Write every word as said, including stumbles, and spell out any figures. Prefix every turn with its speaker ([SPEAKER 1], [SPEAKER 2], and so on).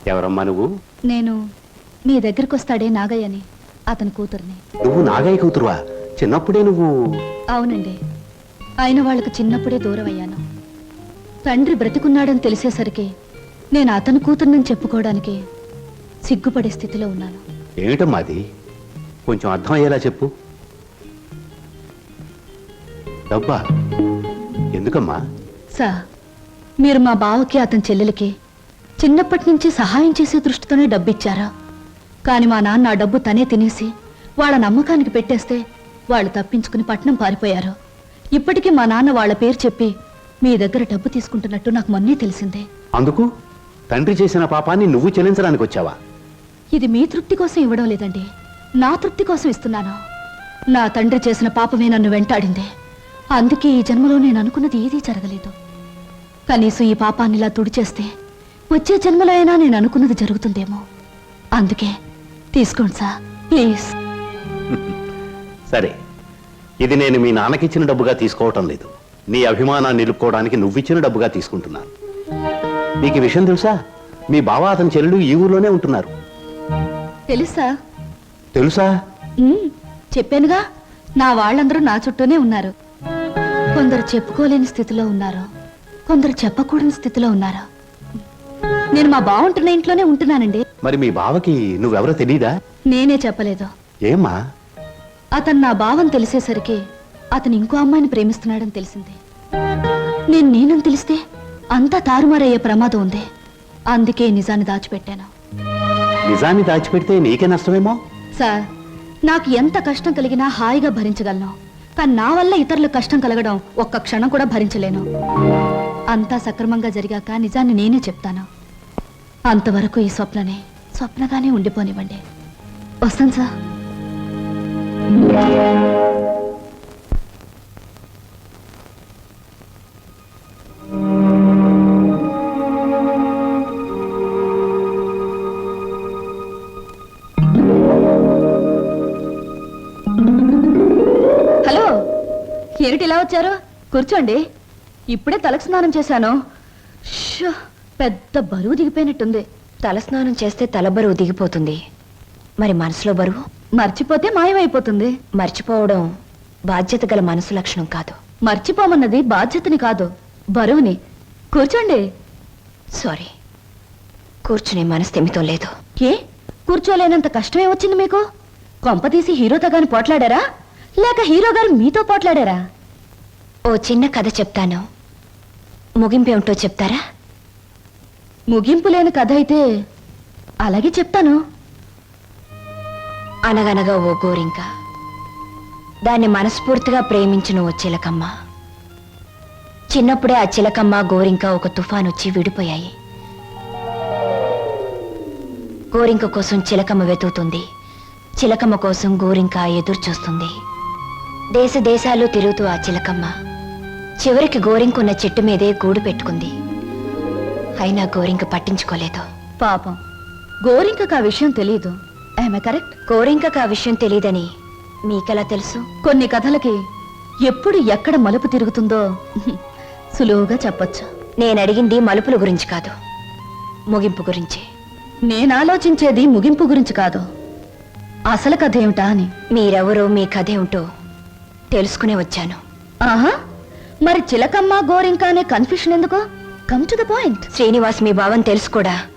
[SPEAKER 1] ఎవరమ్మా నువ్వు?
[SPEAKER 2] నేను మీ దగ్గరికి వస్తాడే నాగయ్యని, అతని కూతుర్ని.
[SPEAKER 1] నువ్వు నాగయ్య కూతురువా? చిన్నప్పుడే నువ్వు?
[SPEAKER 2] అవునండి, అయిన వాళ్ళకు చిన్నప్పుడే దూరం అయ్యాను. తండ్రి బ్రతికున్నాడని తెలిసేసరికి నేను అతని కూతుర్నని చెప్పుకోవడానికి సిగ్గుపడే స్థితిలో ఉన్నాను.
[SPEAKER 1] ఏమిటమ్మా అది? కొంచెం అర్థం అయ్యేలా చెప్పు. డబ్బా ఎందుకమ్మా?
[SPEAKER 2] సార్, మీరు మా బావకి అతని చెల్లెలకి చిన్నప్పటి నుంచి సహాయం చేసే దృష్టితోనే డబ్బిచ్చారా? కానీ మా నాన్న ఆ డబ్బు తనే తినేసి వాళ్ళ నమ్మకానికి పెట్టేస్తే వాళ్ళు తప్పించుకుని పట్నం పారిపోయారు. ఇప్పటికీ మా నాన్న వాళ్ళ పేరు చెప్పి మీ దగ్గర డబ్బు తీసుకుంటున్నట్టు నాకు మొన్నే తెలిసిందే.
[SPEAKER 1] అందుకు తండ్రి చేసిన పాపాన్ని నువ్వు చెల్లించడానికి వచ్చావా?
[SPEAKER 2] ఇది మీ తృప్తి కోసం ఇవ్వడం లేదండి, నా తృప్తి కోసం ఇస్తున్నాను. నా తండ్రి చేసిన పాపమే నన్ను వెంటాడింది. అందుకే ఈ జన్మలో నేను అనుకున్నది ఏదీ జరగలేదు. కనీసం ఈ పాపాన్ని ఇలా తుడిచేస్తే వచ్చే జన్మలో అయినా నేను అనుకున్నది జరుగుతుందేమో. అందుకే తీసుకోండి సార్, ప్లీజ్.
[SPEAKER 1] సరే, ఇది నేను మీ నాన్నకిచ్చిన డబ్బుగా తీసుకోవటం లేదు. నీ అభిమానాన్ని నిలుపుకోవడానికి నువ్విచ్చిన డబ్బుగా తీసుకుంటున్నాను. నీకు ఈ విషయం తెలుసా? మీ బావ అతని చెల్లెలు ఈ ఊర్లోనే ఉంటున్నారు.
[SPEAKER 2] తెలుసా?
[SPEAKER 1] తెలుసా?
[SPEAKER 2] ఉమ్, చెప్పానుగా, నా వాళ్ళందరూ నా చుట్టూనే ఉన్నారు. కొందరు చెప్పుకోలేని స్థితిలో ఉన్నారు, కొందరు చెప్పకూడని స్థితిలో ఉన్నారు. నేను మా బావ ఉంటున్న ఇంట్లోనే ఉంటున్నానండి.
[SPEAKER 1] మరి మీ బావకి నువ్వెవరో తెలీదా?
[SPEAKER 2] నేనే చెప్పలేదు.
[SPEAKER 1] ఏమ్మా?
[SPEAKER 2] అతను నా బావని తెలిసేసరికి అతను ఇంకో అమ్మాయిని ప్రేమిస్తున్నాడని తెలిసింది. నేను నేనని తెలిస్తే అంతా తారుమారయ్యే ప్రమాదం ఉంది. అందుకే నిజాన్ని దాచిపెట్టాను.
[SPEAKER 1] నిజాన్ని దాచిపెడితే నీకే నష్టమేమో.
[SPEAKER 2] సార్, నాకు ఎంత కష్టం కలిగినా హాయిగా భరించగలను. కానీ నా వల్ల ఇతరులకు కష్టం కలగడం ఒక్క క్షణం కూడా భరించలేను. అంతా సక్రమంగా జరిగాక నిజాన్ని నేనే చెప్తాను. అంతవరకు ఈ స్వప్ననే స్వప్నగానే ఉండిపోనివ్వండి. వస్తాను సార్. హలో, ఏమిటి ఇలా వచ్చారు? కూర్చోండి. ఇప్పుడే తలకు స్నానం చేశాను. షో, పెద్ద బరువు దిగిపోయినట్టుంది.
[SPEAKER 3] తలస్నానం చేస్తే తల బరువు దిగిపోతుంది, మరి మనసులో బరువు
[SPEAKER 2] మర్చిపోతే మాయమైపోతుంది.
[SPEAKER 3] మర్చిపోవడం బాధ్యత గల మనసు లక్షణం కాదు.
[SPEAKER 2] మర్చిపోమన్నది బాధ్యతని కాదు, బరువుని. కూర్చోండి.
[SPEAKER 3] సారీ, కూర్చునే మనస్థిమితం లేదు.
[SPEAKER 2] ఏ, కూర్చోలేనంత కష్టమే వచ్చింది మీకు? కొంపతీసి హీరోతో గాని పోట్లాడారా, లేక హీరో గారు మీతో పోట్లాడారా?
[SPEAKER 3] ఓ చిన్న కథ చెప్తాను, ముగింపేమిటో చెప్తారా?
[SPEAKER 2] ముగింపు లేని కథ అయితే అలాగే చెప్తాను.
[SPEAKER 3] అనగనగా ఓ గోరింక, దాన్ని మనస్ఫూర్తిగా ప్రేమించిన ఓ చిలకమ్మ. చిన్నప్పుడే ఆ చిలకమ్మ గోరింక ఒక తుఫాన్ వచ్చి విడిపోయాయి. గోరింక కోసం చిలకమ్మ వెతుకుతుంది, చిలకమ్మ కోసం గోరింక ఎదురు చూస్తుంది. దేశ దేశాలు తిరుగుతూ ఆ చిలకమ్మ చివరికి గోరింకున్న చెట్టు మీదే గూడు పెట్టుకుంది. అయినా గోరింక పట్టించుకోలేదు.
[SPEAKER 2] పాపం, గోరింకకు ఆ విషయం తెలియదు. ఆమె కరెక్ట్.
[SPEAKER 3] గోరింకకు ఆ విషయం తెలియదని మీకెలా తెలుసు?
[SPEAKER 2] కొన్ని కథలకి ఎప్పుడు ఎక్కడ మలుపు తిరుగుతుందో సులువుగా చెప్పొచ్చు.
[SPEAKER 3] నేను అడిగింది మలుపుల గురించి కాదు, ముగింపు గురించి.
[SPEAKER 2] నేను ఆలోచించేది ముగింపు గురించి కాదు, అసలు కథ ఏమిటా అని.
[SPEAKER 3] మీరెవరో, మీ కథ ఏమిటో తెలుసుకునే వచ్చాను.
[SPEAKER 2] ఆహా, మరి చిలకమ్మ గోరింక అనే కన్ఫ్యూషన్ ఎందుకు? Come to the point.
[SPEAKER 3] Srinivas మీ భావం తెలుసు కూడా